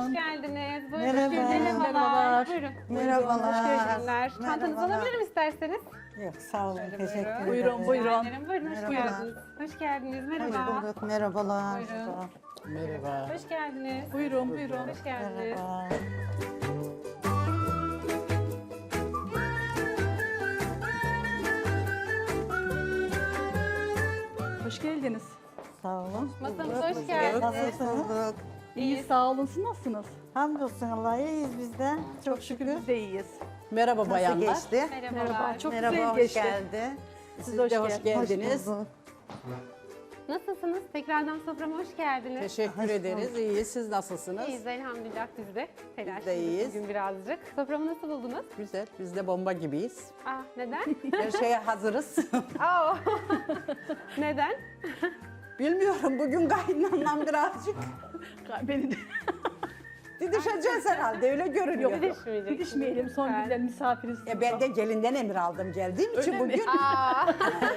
Hoş geldiniz. Buyurun. Merhaba. Merhabalar. Buyurun. Merhabalar. Hoş geldiniz. Çantanızı Merhabalar. alabilirim isterseniz. Yok sağ olun. Teşekkür ederim. Buyurun, buyurun. Buyurun, hoş Merhabalar. geldiniz. Hoş geldiniz. Hoş Merhaba. bulduk. Merhabalar. Buyurun. Merhaba. Hoş geldiniz. Buyurun, buyurun. Hoş geldiniz. Merhaba. Hoş geldiniz. Sağ olun. Masamıza hoş geldiniz. Nasılsınız? İyi, sağ olun. Siz nasılsınız? Hamdolsun Allah'a iyiyiz biz de. Çok Şükür şükür. biz de iyiyiz. Merhaba Nasıl bayanlar. geçti? Merhabalar. Çok Merhaba, güzel hoş geçti. geldi. Siz de hoş hoş geldiniz. geldiniz. bulduk. Nasılsınız? Tekrardan soframa hoş geldiniz. Teşekkür ederiz. İyiyiz. Siz nasılsınız? İyiyiz elhamdülillah biz de. Biz de iyiyiz. Bugün birazcık. Soframı nasıl buldunuz? Güzel. Biz de bomba gibiyiz. Ah neden? Her şeye hazırız. Aa, neden? Bilmiyorum bugün kaynanam birazcık Beni de didişeceğiz herhalde. Öyle görünüyor. Didişmeyecek. gidişmeyelim. Son Lütfen. günden misafiriz. Ben de gelinden emir aldım geldiğim için Öyle mi? bugün. Aa,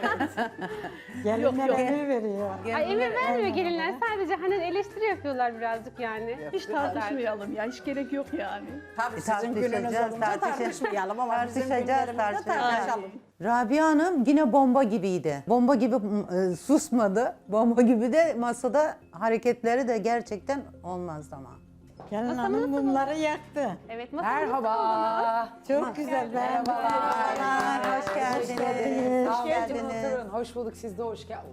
Gelinler yok. emir veriyor. ay emir vermiyor gelinler. Sadece hani eleştiri yapıyorlar birazcık yani. Hiç tartışmayalım ya. Hiç gerek yok yani. Tabii sizin Tartışacağız, gününüz olunca tartışmayalım ama bizim Tartışacağız, günlerimizde tartışacağız. tartışalım. Rabia Hanım yine bomba gibiydi. Bomba gibi susmadı. Bomba gibi de masada hareketleri de gerçekten olmazdı ama. Gelin hanım mumları yaktı. Evet masamız Merhaba. Çok güzel. Merhabalar. Hoş geldiniz. Hoş Hoş geldiniz. Hoş bulduk, siz de hoş geldiniz.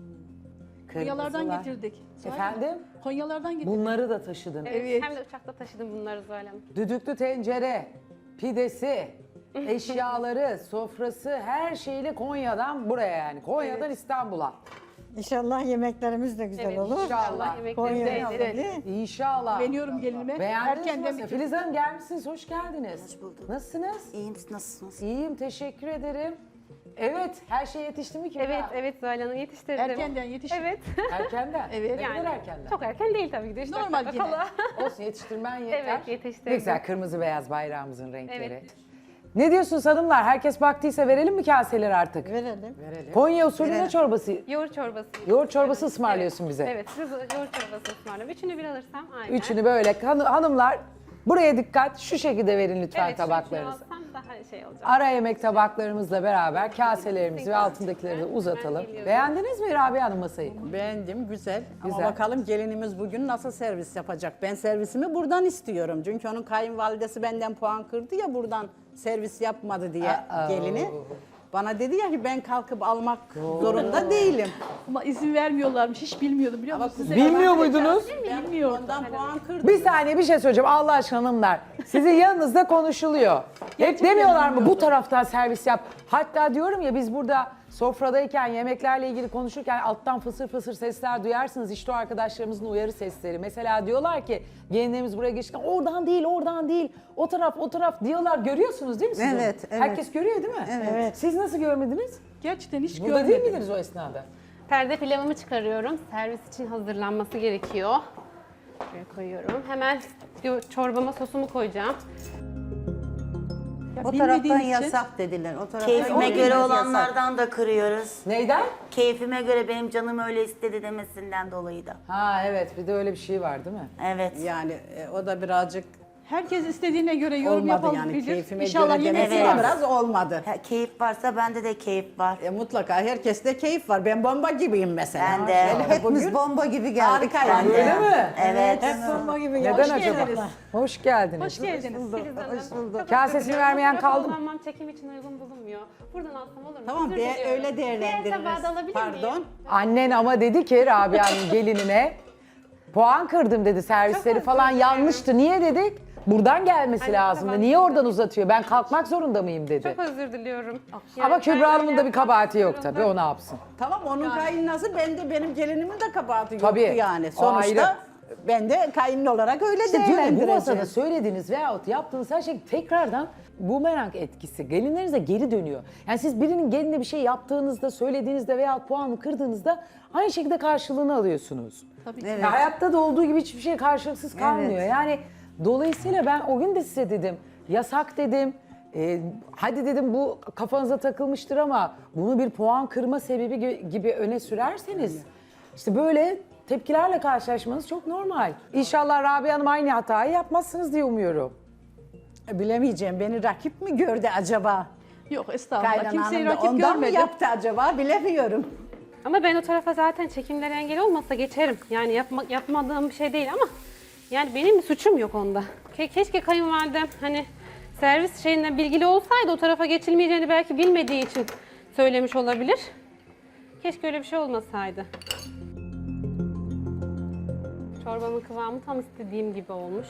Konyalardan getirdik. Efendim? Konyalardan getirdik. Bunları da taşıdın. Evet. Hem de uçakta taşıdım bunları Zuhal Hanım. Düdüklü tencere, pidesi, eşyaları, sofrası, her şeyle Konya'dan buraya yani. Konya'dan İstanbul'a. İnşallah yemeklerimiz de güzel Evet, olur. inşallah Konya yemeklerimiz de yenir. usulü. İnşallah. Beğeniyorum gelinime. Beğendiniz Erkenden mi? bitirdim. Filiz Hanım gelmişsiniz, hoş geldiniz. Hoş bulduk. Nasılsınız? İyiyim, siz nasılsınız? İyiyim, teşekkür ederim. Evet, her şey yetişti mi ki? Evet, evet Zuhal Hanım yetiştirdim. Erkenden yetiştim. Evet. Erkenden. Evet. Ne kadar erkenden? Çok erken değil tabii ki de. Üç dört Normal dakika yine. kala. Olsun, yetiştirmen yeter. Evet, yetiştirdim. Ne güzel, kırmızı beyaz bayrağımızın renkleri. Evet. Ne diyorsunuz hanımlar? Herkes baktıysa verelim mi kaseleri artık? Verelim. Konya usulü ne çorbası? Yoğurt çorbası. Yoğurt çorbası ısmarlıyorsun bize. Evet, siz yoğurt çorbası ısmarlıyorum. Üçünü bir alırsam aynen. Üçünü böyle hanımlar buraya dikkat, şu şekilde verin lütfen evet, tabaklarınızı. Evet, alsam daha şey olacak. Ara yemek tabaklarımızla beraber kaselerimizi ve altındakileri de uzatalım. Beğendiniz mi Rabia Hanım masayı? Beğendim, güzel. Güzel. Ama bakalım gelinimiz bugün nasıl servis yapacak? Ben servisimi buradan istiyorum. Çünkü onun kayınvalidesi benden puan kırdı ya buradan servis yapmadı diye gelini. Bana dedi ya ki ben kalkıp almak zorunda değilim. Ama izin vermiyorlarmış. Hiç bilmiyordum biliyor musunuz? Size Bilmiyor muydunuz? Bilmiyordum. Ondan puan kırdı. Bir saniye bir şey söyleyeceğim Allah aşkına hanımlar. Sizin yanınızda konuşuluyor. Hep demiyorlar mı bu taraftan servis yap. Hatta diyorum ya biz burada sofradayken yemeklerle ilgili konuşurken alttan fısır fısır sesler duyarsınız. İşte o arkadaşlarımızın uyarı sesleri. Mesela diyorlar ki gelinlerimiz buraya geçirken oradan değil oradan değil o taraf diyorlar. Görüyorsunuz değil mi siz onu? Evet, evet. Herkes görüyor değil mi? Evet. Siz nasıl görmediniz? Gerçekten hiç Burada görmedim. değil miydiniz o esnada? Perde pilavımı çıkarıyorum. Servis için hazırlanması gerekiyor. Şuraya koyuyorum. Hemen çorbama sosumu koyacağım. Ya O bilmediğim taraftan için- yasak dediler. O taraftan Keyfime olmaz, göre yasak. olanlardan da kırıyoruz. Neyden? Keyfime göre benim canım öyle istedi demesinden dolayı da. Ha evet bir de öyle bir şey var değil mi? Evet. Yani o da birazcık Herkes istediğine göre yorum olmadı yapabilir. yani keyfime İnşallah göre yine demesi Evet. de biraz olmadı. Keyif varsa bende de keyif var. Mutlaka herkeste keyif var. Ben bomba gibiyim mesela. Ben de. Yani Hepimiz bugün bomba gibi geldik. harika yani. yani. Öyle mi? Evet. Hep bomba gibi Neden geldik. acaba? geldiniz. Hoş geldiniz. Hoş geldiniz. Filiz Hanım. Çok Kasesini özür dilerim. vermeyen Fotoğraf kaldı mı? kullanmam çekim için uygun bulunmuyor. Buradan alsam olur mu? Tamam Özür de, diliyorum. öyle Diğer değerlendiririz. tabağı da alabilir Pardon. miyim? Annen ama dedi ki Rabia'nın gelinine puan kırdım dedi servisleri özür falan dilerim. yanlıştı. Niye dedik? Buradan gelmesi Hani lazımdı. tamam. Niye oradan uzatıyor? Ben kalkmak zorunda mıyım dedi. Çok özür diliyorum. Ama Kübra Hanım'ın da bir kabahati yok yapmak tabii o ne yapsın? Tamam onun kayınlası benim gelinimin de kabahati yoktu Tabii, yani. o Sonuçta ayrı. ben de kayınlı olarak öyle İşte diyorum ya, bu değerlendireceğim. masada söylediğiniz veyahut yaptığınız her şey tekrardan bumerang etkisi. Gelinlerinize geri dönüyor. Yani siz birinin geline bir şey yaptığınızda, söylediğinizde veyahut puanı kırdığınızda aynı şekilde karşılığını alıyorsunuz. Tabii ki. Ya hayatta da olduğu gibi hiçbir şey karşılıksız kalmıyor. Evet. Yani dolayısıyla ben o gün de size dedim, yasak dedim. Hadi dedim bu kafanıza takılmıştır ama bunu bir puan kırma sebebi gibi öne sürerseniz işte böyle tepkilerle karşılaşmanız çok normal. İnşallah Rabia Hanım aynı hatayı yapmazsınız diye umuyorum. Bilemeyeceğim, beni rakip mi gördü acaba? Yok estağfurullah. Kaynana Kimseyi Hanım da rakip ondan mı görmedim. yaptı acaba bilemiyorum. Ama ben o tarafa zaten çekimlere engel olmasa geçerim. Yani yapmadığım bir şey değil ama yani benim bir suçum yok onda. Keşke kayınvalidem hani servis şeyinden bilgili olsaydı o tarafa geçilmeyeceğini belki bilmediği için söylemiş olabilir. Keşke öyle bir şey olmasaydı. Çorbamın kıvamı tam istediğim gibi olmuş.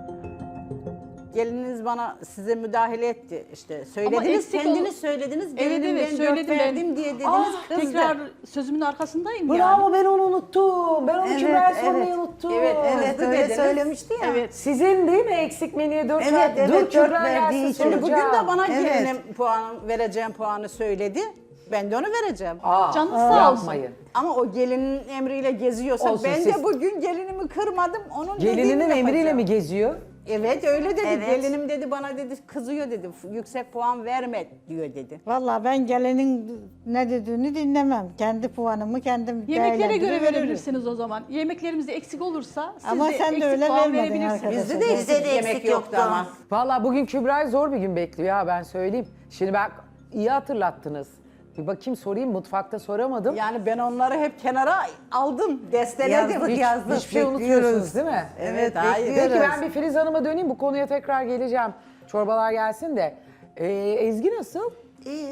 Gelininiz size müdahale etti işte. Söylediniz, eksik kendiniz ol- söylediniz. Evet Gelinim evet ben söyledim dört ben. verdim diye dediniz, kızdı. Tekrar sözümün arkasındayım Bravo, yani. ben onu unuttum. Ben onu Evet, Kübra'ya evet. sormayı unuttum. Evet, Evet kızdı öyle dediniz. söylemişti ya. Evet. Sizin değil mi eksik menüye 4 Evet, verdi? evet, Dur dört Kübra verdiği gelsin için. Şimdi bugün soracağım. de bana Evet. gelinim vereceğim puanı söyledi. Ben de onu vereceğim. Aa, Canınız sağ olsun. yapmayın. Ama o gelinin emriyle geziyorsa Olsun, ben siz- de bugün gelinimi kırmadım. Onun Gelininin dediğini emriyle yapacağım. mi geziyor? Evet öyle dedi. Evet. Gelinim dedi bana dedi kızıyor dedi. Yüksek puan verme diyor dedi. Vallahi ben gelinin ne dediğini dinlemem. Kendi puanımı kendim Yemeklere göre değerlendirir, veririm. verebilirsiniz o zaman. Yemeklerimizde eksik olursa siz Ama de sen de eksik öyle puan vermedin verebilirsiniz. arkadaşlar. Bizde de Bizde eksik de yemek eksik yoktu yoktu. ama. Vallahi bugün Kübra'yı zor bir gün bekliyor ha, ben söyleyeyim. Şimdi bak iyi hatırlattınız. Bir bakayım sorayım, mutfakta soramadım. Yani ben onları hep kenara aldım, desteledim. Yazdık. Hiçbir şey bekliyoruz. unutmuyorsunuz değil mi? Evet, bekliyoruz. Peki ben bir Filiz Hanım'a döneyim, bu konuya tekrar geleceğim. Çorbalar gelsin de. Ezgi nasıl? İyi.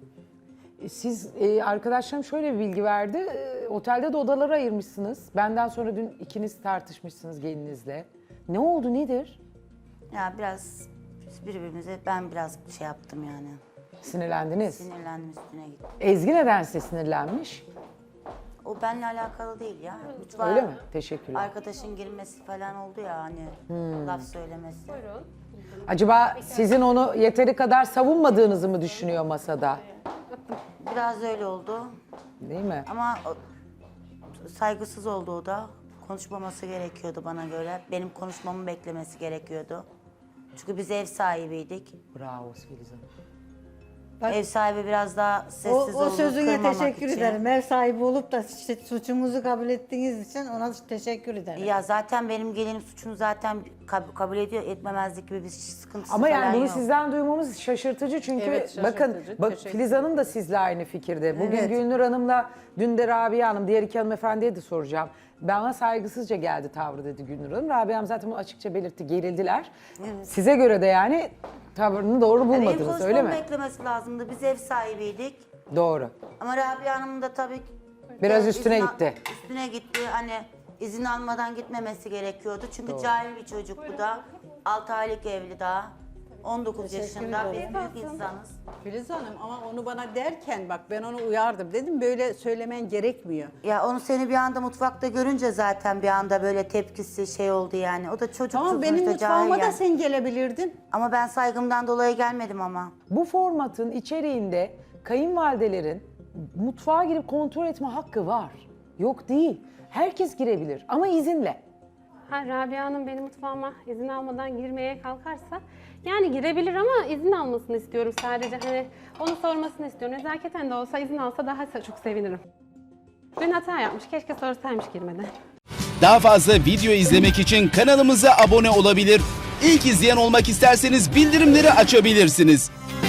Siz arkadaşlarım şöyle bir bilgi verdi. Otelde de odalara ayırmışsınız. Benden sonra dün ikiniz tartışmışsınız gelininizle. Ne oldu, nedir? Ya biraz birbirimize ben biraz şey yaptım yani. Sinirlendiniz. Sinirlendim üstüne gittim. Ezgi neden size sinirlenmiş? O benimle alakalı değil ya. Mutfağa Öyle mi? Teşekkürler. arkadaşın girmesi falan oldu ya hani laf söylemesi. Acaba sizin onu yeteri kadar savunmadığınızı mı düşünüyor masada? Biraz öyle oldu Değil mi? ama saygısız oldu o da. Konuşmaması gerekiyordu bana göre. Benim konuşmamı beklemesi gerekiyordu. Çünkü biz ev sahibiydik. Bravo Filiz Hanım. Bak, Ev sahibi biraz daha O, sessiz o oldu, sözüne kırmamak teşekkür için. ederim. Ev sahibi olup da işte suçumuzu kabul ettiğiniz için ona teşekkür ederim. Ya zaten benim gelinim suçunu zaten kabul ediyor, etmemezlik gibi bir sıkıntısı Ama falan yani bunu yok. sizden duymamız şaşırtıcı çünkü Evet, şaşırtıcı. bakın Teşekkür Filiz Hanım da sizle aynı fikirde. Bugün Evet. Gülnur Hanım'la dün de Rabia Hanım, diğer iki hanımefendiye de soracağım. Bana saygısızca geldi tavrı dedi Gülnur Hanım. Rabia Hanım zaten bunu açıkça belirtti, gerildiler. Size göre de yani tavrını doğru Benim bulmadınız öyle konuşmamı mi? beklemesi lazımdı. Biz ev sahibiydik. Doğru. Ama Rabia Hanım da tabii Biraz de üstüne gitti. Üstüne gitti. Hani izin almadan gitmemesi gerekiyordu. Çünkü cahil bir çocuk bu da. 6 aylık evli daha. 19 yaşında. Biz büyük insanız. Filiz Hanım ama onu bana derken bak ben onu uyardım. Dedim böyle söylemen gerekmiyor. Ya onu seni bir anda mutfakta görünce zaten bir anda böyle tepkisi şey oldu yani. O da çocuk Tamam benim sonuçta, cahil mutfağıma da yani. sen gelebilirdin. Ama ben saygımdan dolayı gelmedim ama. Bu formatın içeriğinde kayınvalidelerin mutfağa girip kontrol etme hakkı var. Yok değil. Herkes girebilir ama izinle. Ha, Rabia Hanım benim mutfağıma izin almadan girmeye kalkarsa yani girebilir ama izin almasını istiyorum sadece. Hani onu sormasını istiyorum. Nezaketen de olsa izin alsa daha çok sevinirim. Dün hata yapmış. Keşke sorsaymış girmeden. Daha fazla video izlemek için kanalımıza abone olabilir. İlk izleyen olmak isterseniz bildirimleri açabilirsiniz.